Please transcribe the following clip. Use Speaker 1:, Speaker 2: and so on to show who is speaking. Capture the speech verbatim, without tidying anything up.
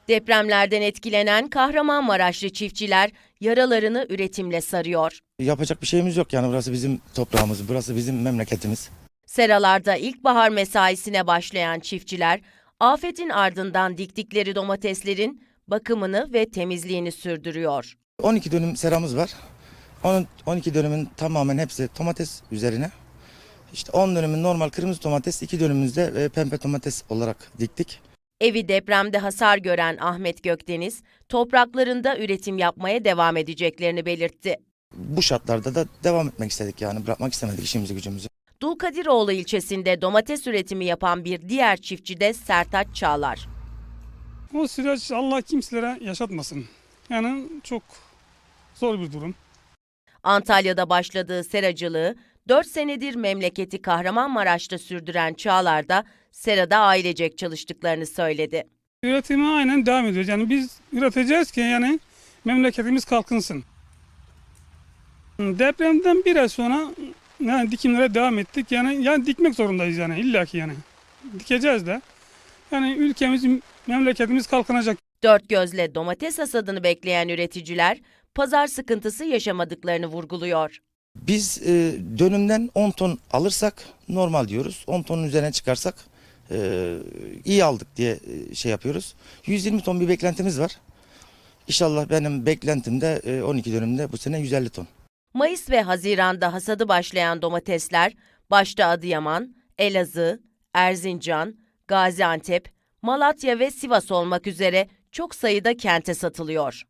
Speaker 1: Depremlerden etkilenen Kahramanmaraşlı çiftçiler yaralarını üretimle sarıyor.
Speaker 2: Yapacak bir şeyimiz yok yani, burası bizim toprağımız, burası bizim memleketimiz.
Speaker 1: Seralarda ilkbahar mesaisine başlayan çiftçiler, afetin ardından diktikleri domateslerin bakımını ve temizliğini sürdürüyor.
Speaker 2: on iki dönüm seramız var. Onun on iki dönümün tamamen hepsi domates üzerine. İşte on dönümün normal kırmızı domates, iki dönümümüzde e, pembe domates olarak diktik.
Speaker 1: Evi depremde hasar gören Ahmet Gökdeniz, topraklarında üretim yapmaya devam edeceklerini belirtti.
Speaker 2: Bu şartlarda da devam etmek istedik yani, bırakmak istemedik işimizi gücümüzü.
Speaker 1: Dulkadiroğlu ilçesinde domates üretimi yapan bir diğer çiftçi de Sertaç Çağlar.
Speaker 3: O süreç Allah kimselere yaşatmasın. Yani çok zor bir durum.
Speaker 1: Antalya'da başladığı seracılığı dört senedir memleketi Kahramanmaraş'ta sürdüren Çağlar da serada ailecek çalıştıklarını söyledi.
Speaker 3: Üretime aynen devam ediyoruz. Yani biz üreteceğiz ki yani memleketimiz kalkınsın. Depremden bir ay sonra yani dikimlere devam ettik. Yani yani dikmek zorundayız yani illaki yani. Dikeceğiz de. Yani ülkemiz, memleketimiz kalkınacak.
Speaker 1: Dört gözle domates hasadını bekleyen üreticiler pazar sıkıntısı yaşamadıklarını vurguluyor.
Speaker 2: Biz e, dönümden on ton alırsak normal diyoruz. on tonun üzerine çıkarsak e, iyi aldık diye e, şey yapıyoruz. yüz yirmi ton bir beklentimiz var. İnşallah benim beklentimde e, on iki dönümde bu sene yüz elli ton.
Speaker 1: Mayıs ve Haziran'da hasadı başlayan domatesler başta Adıyaman, Elazığ, Erzincan, Gaziantep, Malatya ve Sivas olmak üzere çok sayıda kente satılıyor.